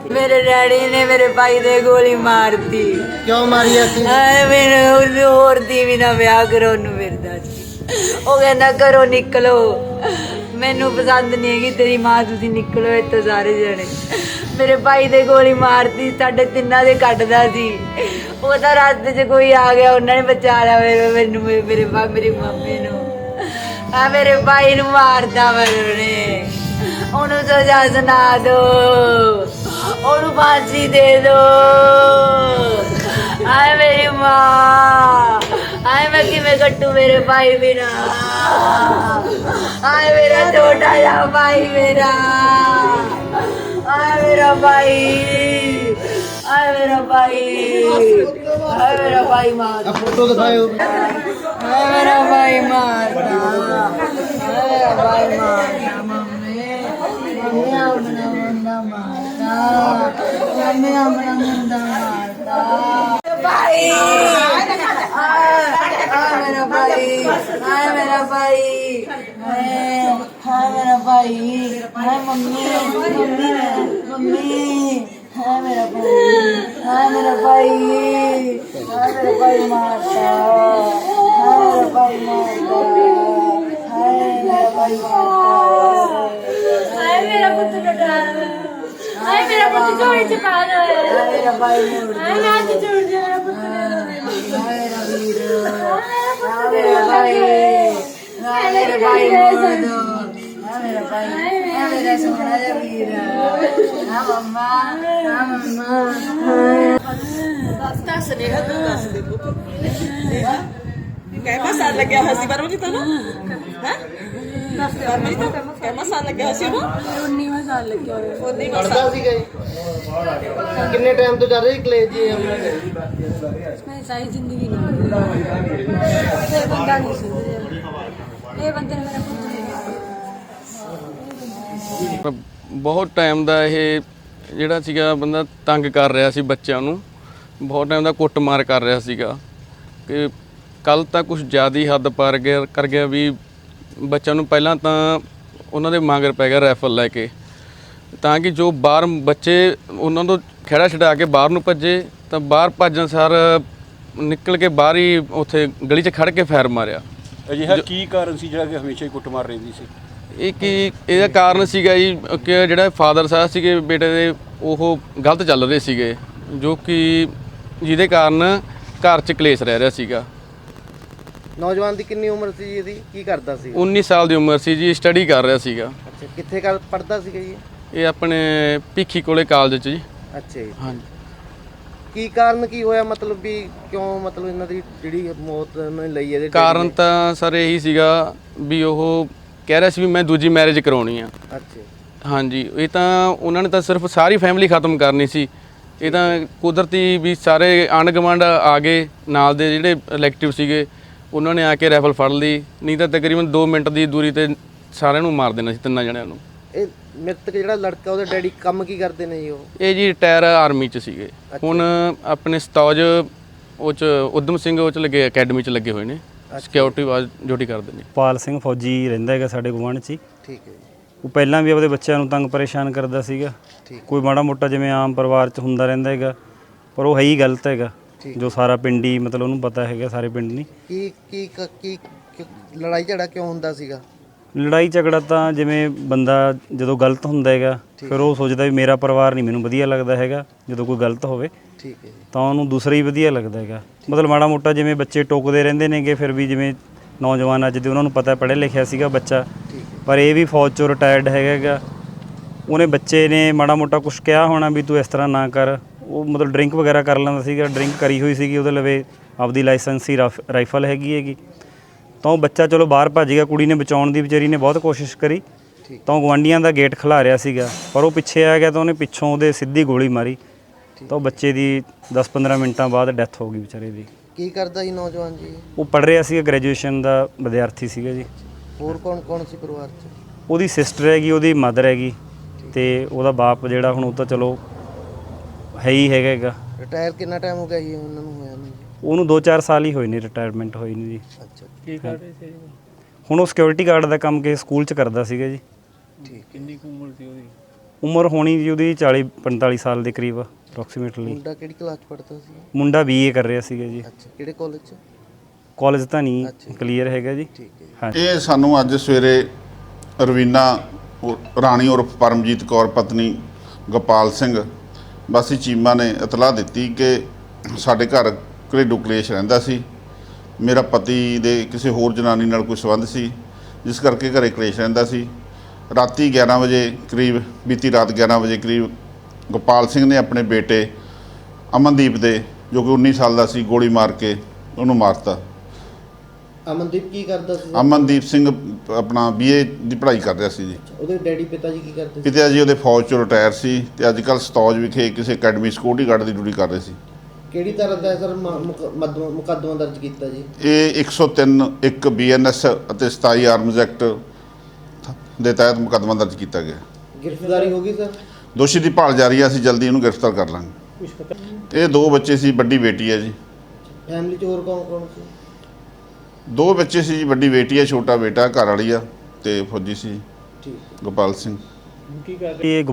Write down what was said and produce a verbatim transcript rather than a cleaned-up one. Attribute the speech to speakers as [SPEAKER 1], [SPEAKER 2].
[SPEAKER 1] मेरे डैडी ने मेरे भाई ने गोली मार दी।
[SPEAKER 2] क्यों मारी ऐसी?
[SPEAKER 1] मैंने ਉਹਨੂੰ ਹੋਰ ਦੀ ਵੀ ਨਾ ਵਿਆਹ ਕਰੋ ਉਹਨੂੰ ਫਿਰਦਾ ਸੀ। ਉਹ ਕਹਿੰਦਾ ਘਰੋਂ ਨਿਕਲੋ, ਮੈਨੂੰ ਪਸੰਦ ਨਹੀਂ ਹੈਗੀ ਤੇਰੀ ਮਾਂ, ਤੁਸੀਂ ਨਿਕਲੋ ਇੱਥੋਂ ਸਾਰੇ ਜਣੇ। ਮੇਰੇ ਭਾਈ ਦੇ ਗੋਲੀ ਮਾਰਤੀ, ਸਾਡੇ ਤਿੰਨਾਂ ਦੇ ਕੱਢਦਾ ਸੀ। ਉਹ ਤਾਂ ਰਾਤ 'ਚ ਕੋਈ ਆ ਗਿਆ, ਉਹਨਾਂ ਨੇ ਬਚਾ ਲਿਆ ਮੇਰੇ ਮੈਨੂੰ ਮੇਰੇ ਬਾ ਮੇਰੀ ਮੰਮੀ ਨੂੰ। ਆ ਮੇਰੇ ਭਾਈ ਨੂੰ ਮਾਰਦਾ ਉਹਨੇ, ਉਹਨੂੰ ਸਜ਼ਾ ਸੁਣਾ ਦੋ, ਉਹਨੂੰ ਫਾਂਸੀ ਦੇ ਦੋ। ਆਏ ਮੇਰੀ ਮਾਂ, ਆਏ मैं किमें कट्टू मेरे भाई बिना। आए मेरा छोटा सा भाई मेरा, आए मेरा भाई, आए मेरा भाई, आए मेरा भाई मार,
[SPEAKER 2] फोटो दिखाओ।
[SPEAKER 1] आए मेरा भाई मारता, आए मेरा भाई मारता। मम्मी मम्मी अपना मुंडा मारता, मम्मी अपना मुंडा मारता। भाई हाय मेरा भाई, हाय मेरा भाई, हाय मेरा भाई, हाय मम्मी मम्मी मम्मी, हाय मेरा भाई, हाय मेरा भाई, हाय मेरा भाई मारता, हाय मेरा भाई मारता, हाय मेरा भाई मारता, हाय मेरा पुत्र लुटा, हाय मेरा पुत्र चोरी छुपा दो, हाय मेरा भाई हाय मैं आज छोड़ दे मेरा पुत्र, हाय मेरा वीर, हाय मेरा भाई, हाय मेरा भाई मार दो, हाय मेरा भाई, हाय मेरा सोना सा वीर, हां मम्मा, हां मम्मा।
[SPEAKER 3] दस नेहा तू दस दे पुत कैमा साल लग गया हसी पर मुझे तो ना हैं दस यार मेरी तो कैमा साल लग गया हसी वो उन्नीसवां साल लग गया उन्नीसवां
[SPEAKER 2] पढ़दा
[SPEAKER 3] साल
[SPEAKER 2] सी गए कितने टाइम तो चल रही कॉलेज जी हमने
[SPEAKER 4] मैं सारी जिंदगी नहीं ये बंदा नहीं सुधरेगा, ये बंदे ने मेरा पुत्र
[SPEAKER 5] ਬਹੁਤ ਟਾਈਮ ਦਾ ਇਹ ਜਿਹੜਾ ਸੀਗਾ ਬੰਦਾ ਤੰਗ ਕਰ ਰਿਹਾ ਸੀ ਬੱਚਿਆਂ ਨੂੰ, ਬਹੁਤ ਟਾਈਮ ਦਾ ਕੁੱਟਮਾਰ ਕਰ ਰਿਹਾ ਸੀਗਾ ਕਿ ਕੱਲ ਤਾਂ ਕੁਝ ਜ਼ਿਆਦਾ ਹੀ ਹੱਦ ਪਾਰ ਗਿਆ ਕਰ ਗਿਆ ਵੀ ਬੱਚਿਆਂ ਨੂੰ ਪਹਿਲਾਂ ਤਾਂ ਉਹਨਾਂ ਦੇ ਮਗਰ ਪੈ ਗਿਆ ਰਾਈਫਲ ਲੈ ਕੇ, ਤਾਂ ਕਿ ਜੋ ਬਾਹਰ ਬੱਚੇ ਉਹਨਾਂ ਤੋਂ ਖਹਿੜਾ ਛਡਾ ਕੇ ਬਾਹਰ ਨੂੰ ਭੱਜੇ ਤਾਂ ਬਾਹਰ ਭੱਜਣ ਸਾਰ ਨਿਕਲ ਕੇ ਬਾਹਰ ਹੀ ਉੱਥੇ ਗਲੀ 'ਚ ਖੜ ਕੇ ਫਾਇਰ ਮਾਰਿਆ।
[SPEAKER 6] ਅਜਿਹਾ ਕੀ ਕਾਰਨ ਸੀ ਜਿਹੜਾ ਕਿ ਹਮੇਸ਼ਾ ਹੀ ਕੁੱਟਮਾਰ ਰਹਿੰਦੀ ਸੀ?
[SPEAKER 5] ਇਹ ਕੀ ਇਹਦਾ ਕਾਰਨ ਸੀਗਾ ਜੀ ਕਿ ਜਿਹੜਾ ਫਾਦਰ ਸਾਹਿਬ ਸੀਗੇ ਬੇਟੇ ਦੇ ਉਹ ਗਲਤ ਚੱਲ ਰਹੇ ਸੀਗੇ, ਜੋ ਕਿ ਜਿਹਦੇ ਕਾਰਨ ਘਰ 'ਚ ਕਲੇਸ਼ ਰਹਿ ਰਿਹਾ ਸੀਗਾ।
[SPEAKER 2] ਨੌਜਵਾਨ ਦੀ ਕਿੰਨੀ ਉਮਰ ਸੀ ਜੀ ਇਹਦੀ, ਕੀ ਕਰਦਾ ਸੀ?
[SPEAKER 5] ਉੱਨੀ ਸਾਲ ਦੀ ਉਮਰ ਸੀ ਜੀ, ਸਟੱਡੀ ਕਰ ਰਿਹਾ ਸੀਗਾ।
[SPEAKER 2] ਅੱਛਾ ਕਿੱਥੇ ਕਰ ਪੜਦਾ ਸੀਗਾ ਜੀ?
[SPEAKER 5] ਇਹ ਆਪਣੇ ਭਿੱਖੀ ਕੋਲੇ ਕਾਲਜ 'ਚ ਜੀ।
[SPEAKER 2] ਅੱਛਾ ਜੀ,
[SPEAKER 5] ਹਾਂਜੀ।
[SPEAKER 2] ਕੀ ਕਾਰਨ ਕੀ ਹੋਇਆ, ਮਤਲਬ ਵੀ ਕਿਉਂ ਮਤਲਬ ਇਹਨਾਂ ਦੀ ਜਿਹੜੀ ਮੌਤ ਉਹਨਾਂ ਨੇ ਲਈ ਇਹਦੇ
[SPEAKER 5] ਕਾਰਨ ਤਾਂ ਸਰ ਇਹੀ ਸੀਗਾ ਵੀ ਉਹ ਕਹਿ ਰਿਹਾ ਸੀ ਵੀ ਮੈਂ ਦੂਜੀ ਮੈਰਿਜ ਕਰਾਉਣੀ ਆ।
[SPEAKER 2] ਅੱਛਾ
[SPEAKER 5] ਹਾਂਜੀ, ਇਹ ਤਾਂ ਉਹਨਾਂ ਨੇ ਤਾਂ ਸਿਰਫ ਸਾਰੀ ਫੈਮਿਲੀ ਖਤਮ ਕਰਨੀ ਸੀ। ਇਹ ਤਾਂ ਕੁਦਰਤੀ ਵੀ ਸਾਰੇ ਆਂਢ ਗੁਆਂਢ ਆ ਗਏ, ਨਾਲ ਦੇ ਜਿਹੜੇ ਇਲੈਕਟਿਵ ਸੀਗੇ ਉਹਨਾਂ ਨੇ ਆ ਕੇ ਰਾਈਫਲ ਫੜ ਲਈ, ਨਹੀਂ ਤਾਂ ਤਕਰੀਬਨ ਦੋ ਮਿੰਟ ਦੀ ਦੂਰੀ ਤੇ ਸਾਰਿਆਂ ਨੂੰ ਮਾਰ ਦੇਣਾ ਸੀ, ਤਿੰਨਾਂ ਜਣਿਆਂ ਨੂੰ।
[SPEAKER 2] ਇਹ ਮ੍ਰਿਤਕ ਜਿਹੜਾ ਲੜਕਾ ਉਹਦੇ ਡੈਡੀ ਕੰਮ ਕੀ ਕਰਦੇ ਨੇ ਜੀ? ਉਹ
[SPEAKER 5] ਇਹ ਜੀ ਰਿਟਾਇਰ ਆਰਮੀ 'ਚ ਸੀਗੇ, ਹੁਣ ਆਪਣੇ ਸਤੌਜ ਉਹ 'ਚ ਉਦਮ ਸਿੰਘ ਉਹ 'ਚ ਲੱਗੇ, ਅਕੈਡਮੀ 'ਚ ਲੱਗੇ ਹੋਏ ਨੇ, ਸਿਕਿਉਰਿਟੀ ਵਾਜ ਡਿਊਟੀ ਕਰਦੇ ਨੇ।
[SPEAKER 7] ਪਾਲ ਸਿੰਘ ਫੌਜੀ ਰਹਿੰਦਾ ਹੈਗਾ ਸਾਡੇ ਗੁਆਂਢ 'ਚ ਹੀ।
[SPEAKER 2] ਠੀਕ ਹੈ ਜੀ,
[SPEAKER 7] ਉਹ ਪਹਿਲਾਂ ਵੀ ਆਪਦੇ ਬੱਚਿਆਂ ਨੂੰ ਤੰਗ ਪਰੇਸ਼ਾਨ ਕਰਦਾ ਸੀਗਾ, ਕੋਈ ਮਾੜਾ ਮੋਟਾ ਜਿਵੇਂ ਆਮ ਪਰਿਵਾਰ 'ਚ ਹੁੰਦਾ ਰਹਿੰਦਾ ਹੈਗਾ, ਪਰ ਉਹ ਹੈ ਹੀ ਗਲਤ ਹੈਗਾ, ਜੋ ਸਾਰਾ ਪਿੰਡ ਹੀ ਮਤਲਬ ਉਹਨੂੰ ਪਤਾ ਹੈਗਾ, ਸਾਰੇ ਪਿੰਡ ਨਹੀਂ।
[SPEAKER 2] ਕੀ ਕੀ ਕੀ ਕੀ- ਲੜਾਈ ਝਗੜਾ ਕਿਉਂ ਹੁੰਦਾ ਸੀਗਾ?
[SPEAKER 7] ਲੜਾਈ ਝਗੜਾ ਤਾਂ ਜਿਵੇਂ ਬੰਦਾ ਜਦੋਂ ਗਲਤ ਹੁੰਦਾ ਹੈਗਾ ਫਿਰ ਉਹ ਸੋਚਦਾ ਵੀ ਮੇਰਾ ਪਰਿਵਾਰ ਨਹੀਂ ਮੈਨੂੰ ਵਧੀਆ ਲੱਗਦਾ ਹੈਗਾ, ਜਦੋਂ ਕੋਈ ਗਲਤ ਹੋਵੇ
[SPEAKER 2] ਠੀਕ ਹੈ ਜੀ,
[SPEAKER 7] ਤਾਂ ਉਹਨੂੰ ਦੂਸਰਾ ਹੀ ਵਧੀਆ ਲੱਗਦਾ ਹੈਗਾ। ਮਤਲਬ ਮਾੜਾ ਮੋਟਾ ਜਿਵੇਂ ਬੱਚੇ ਟੋਕਦੇ ਰਹਿੰਦੇ ਨੇਗੇ, ਫਿਰ ਵੀ ਜਿਵੇਂ ਨੌਜਵਾਨ ਅੱਜ ਦੇ ਉਹਨਾਂ ਨੂੰ ਪਤਾ ਪੜ੍ਹਿਆ ਲਿਖਿਆ ਸੀਗਾ ਬੱਚਾ, ਪਰ ਇਹ ਵੀ ਫੌਜ 'ਚੋਂ ਰਿਟਾਇਰਡ ਹੈਗਾ, ਉਹਨੇ ਬੱਚੇ ਨੇ ਮਾੜਾ ਮੋਟਾ ਕੁਛ ਕਿਹਾ ਹੋਣਾ ਵੀ ਤੂੰ ਇਸ ਤਰ੍ਹਾਂ ਨਾ ਕਰ। ਉਹ ਮਤਲਬ ਡਰਿੰਕ ਵਗੈਰਾ ਕਰ ਲੈਂਦਾ ਸੀਗਾ, ਡਰਿੰਕ ਕਰੀ ਹੋਈ ਸੀਗੀ ਉਹਦੇ ਲਵੇ, ਆਪਦੀ ਲਾਇਸੈਂਸੀ ਰਾਈਫਲ ਹੈਗੀ ਹੈਗੀ, ਤਾਂ ਉਹ ਬੱਚਾ ਚਲੋ ਬਾਹਰ ਭੱਜ ਗਿਆ। ਕੁੜੀ ਨੇ ਬਚਾਉਣ ਦੀ ਵਿਚਾਰੀ ਨੇ ਬਹੁਤ ਕੋਸ਼ਿਸ਼ ਕਰੀ, ਤਾਂ ਉਹ ਗੁਆਂਢੀਆਂ ਦਾ ਗੇਟ ਖਿਲਾ ਰਿਹਾ ਸੀਗਾ, ਪਰ ਉਹ ਪਿੱਛੇ ਆ ਗਿਆ ਤਾਂ ਉਹਨੇ ਪਿੱਛੋਂ ਉਹਦੇ ਸਿੱਧੀ ਗੋਲੀ ਮਾਰੀ, ਤਾਂ ਉਹ ਬੱਚੇ ਦੀ ਦਸ ਪੰਦਰਾਂ ਮਿੰਟਾਂ ਬਾਅਦ ਡੈਥ ਹੋ ਗਈ ਵਿਚਾਰੇ ਦੀ।
[SPEAKER 2] ਕੀ ਕਰਦਾ ਜੀ ਨੌਜਵਾਨ ਜੀ?
[SPEAKER 7] ਉਹ ਪੜ੍ਹ ਰਿਹਾ ਸੀਗਾ, ਗ੍ਰੈਜੂਏਸ਼ਨ ਦਾ ਵਿਦਿਆਰਥੀ ਸੀਗਾ ਜੀ।
[SPEAKER 2] ਹੋਰ ਕੌਣ ਕੌਣ ਸੀ ਪਰਿਵਾਰ 'ਚ?
[SPEAKER 7] ਉਹਦੀ ਸਿਸਟਰ ਹੈਗੀ, ਉਹਦੀ ਮਦਰ ਹੈਗੀ, ਤੇ ਉਹਦਾ ਬਾਪ ਜਿਹੜਾ ਹੁਣ ਉਹ ਤਾਂ ਚਲੋ ਹੈ ਹੀ ਹੈਗਾ ਹੈਗਾ।
[SPEAKER 2] ਰਿਟਾਇਰ ਕਿੰਨਾ ਟਾਈਮ ਹੋ ਗਿਆ ਜੀ ਉਹਨਾਂ ਨੂੰ ਹੋਇਆ ਨੂੰ?
[SPEAKER 7] ਉਹਨੂੰ ਦੋ ਚਾਰ ਸਾਲ ਹੀ ਹੋਏ ਨੇ ਰਿਟਾਇਰਮੈਂਟ ਹੋਈ ਨੂੰ ਜੀ।
[SPEAKER 2] ਅੱਛਾ
[SPEAKER 6] ਕੀ ਕਰ ਰਹੇ ਸੀ?
[SPEAKER 7] ਹੁਣ ਉਹ ਸਿਕਿਉਰਿਟੀ ਗਾਰਡ ਦਾ ਕੰਮ ਕਿਸੇ ਸਕੂਲ 'ਚ ਕਰਦਾ ਸੀਗਾ ਜੀ।
[SPEAKER 2] ਠੀਕ।
[SPEAKER 6] ਕਿੰਨੀ ਕੁ ਉਮਰ ਸੀ ਉਹਦੀ?
[SPEAKER 7] ਉਮਰ ਹੋਣੀ ਜੀ ਉਹਦੀ ਚਾਲੀ ਪੰਤਾਲੀ ਸਾਲ ਦੇ ਕਰੀਬ ਅਪਰੋਕਸੀਮੇਟਲੀ।
[SPEAKER 2] ਮੁੰਡਾ ਕਿਹੜੀ ਕਲਾਸ ਪੜ੍ਹਦਾ ਸੀ?
[SPEAKER 7] ਮੁੰਡਾ ਬੀਏ ਕਰ ਰਿਹਾ ਸੀਗਾ ਜੀ।
[SPEAKER 2] ਅੱਛਾ, ਕਿਹੜੇ ਕਾਲਜ 'ਚ?
[SPEAKER 7] ਕਾਲਜ ਤਾਂ ਨਹੀਂ
[SPEAKER 2] ਅੱਛਾ।
[SPEAKER 7] ਕਲੀਅਰ ਹੈਗਾ ਜੀ।
[SPEAKER 2] ਠੀਕ ਹੈ ਜੀ।
[SPEAKER 7] ਹਾਂਜੀ।
[SPEAKER 8] ਇਹ ਸਾਨੂੰ ਅੱਜ ਸਵੇਰੇ ਰਵੀਨਾ ਉਰ- ਰਾਣੀ ਉਰਫ ਪਰਮਜੀਤ ਕੌਰ ਪਤਨੀ ਗੋਪਾਲ ਸਿੰਘ ਵਾਸੀ ਚੀਮਾ ਨੇ ਇਤਲਾਹ ਦਿੱਤੀ ਕਿ ਸਾਡੇ ਘਰ ਘਰੇਲੂ ਕਲੇਸ਼ ਰਹਿੰਦਾ ਸੀ। ਮੇਰਾ ਪਤੀ ਦੇ ਕਿਸੇ ਹੋਰ ਜਨਾਨੀ ਨਾਲ ਕੋਈ ਸੰਬੰਧ ਸੀ, ਜਿਸ ਕਰਕੇ ਘਰੇ ਕਲੇਸ਼ ਰਹਿੰਦਾ ਸੀ। ਰਾਤੀ ਗਿਆਰਾਂ ਵਜੇ ਕਰੀਬ, ਬੀਤੀ ਰਾਤ ਗਿਆਰਾਂ ਵਜੇ ਕਰੀਬ ਗੋਪਾਲ ਸਿੰਘ ਨੇ ਆਪਣੇ ਬੇਟੇ ਅਮਨਦੀਪ ਦੇ, ਜੋ ਕਿ ਉੱਨੀ ਸਾਲ ਦਾ ਸੀ, ਗੋਲੀ ਮਾਰ ਕੇ ਉਹਨੂੰ ਮਾਰਤਾ।
[SPEAKER 2] ਅਮਨਦੀਪ ਕੀ ਕਰਦਾ ਸੀ?
[SPEAKER 8] ਅਮਨਦੀਪ ਸਿੰਘ ਆਪਣਾ ਬੀਏ ਦੀ ਪੜ੍ਹਾਈ ਕਰ ਰਿਹਾ ਸੀ ਜੀ।
[SPEAKER 2] ਉਹਦੇ ਡੈਡੀ ਪਿਤਾ ਜੀ ਕੀ ਕਰਦੇ ਸੀ?
[SPEAKER 8] ਪਿਤਾ ਜੀ ਉਹਦੇ ਫੌਜ ਚੋਂ ਰਿਟਾਇਰ ਸੀ ਤੇ ਅੱਜ ਕੱਲ੍ਹ ਸਤੌਜ ਵਿਖੇ ਕਿਸੇ ਅਕੈਡਮੀ ਸਿਕਿਉਰਿਟੀ ਗਾਰਡ ਦੀ ਡਿਊਟੀ ਕਰ ਰਹੇ ਸੀ।
[SPEAKER 2] ਕਿਹੜੀ ਤਰ੍ਹਾਂ ਦਾ ਸਰ ਮੁਕੱਦਮਾ ਦਰਜ ਕੀਤਾ ਜੀ?
[SPEAKER 8] ਇਹ ਇੱਕ ਸੌ ਤਿੰਨ ਇੱਕ ਬੀ ਐਨ ਐਸ ਅਤੇ ਸਤਾਈ ਆਰਮਜ਼ ਐਕਟ ਦੇ ਤਹਿਤ ਮੁਕੱਦਮਾ ਦਰਜ ਕੀਤਾ ਗਿਆ।
[SPEAKER 2] ਗ੍ਰਿਫਤਾਰੀ ਹੋ ਗਈ ਸਰ?
[SPEAKER 8] ਦੋਸ਼ੀ ਦੀ ਭਾਲ ਜਾਰੀ ਹੈ, ਅਸੀਂ ਜਲਦੀ ਇਹਨੂੰ ਗ੍ਰਿਫਤਾਰ ਕਰ ਲਾਂਗੇ। ਇਹ ਦੋ ਬੱਚੇ ਸੀ, ਵੱਡੀ ਬੇਟੀ ਹੈ ਜੀ।
[SPEAKER 2] ਫੈਮਿਲੀ 'ਚ ਹੋਰ ਕੌਣ ਕੌਣ ਸੀ?
[SPEAKER 8] ਦੋ ਬੱਚੇ ਸੀ ਜੀ, ਵੱਡੀ ਬੇਟੀ ਹੈ, ਛੋਟਾ ਬੇਟਾ, ਘਰ ਵਾਲੀ ਆ ਤੇ ਫੌਜੀ ਸੀ
[SPEAKER 2] ਠੀਕ।
[SPEAKER 8] ਗੋਪਾਲ ਸਿੰਘ।
[SPEAKER 7] ਇਹ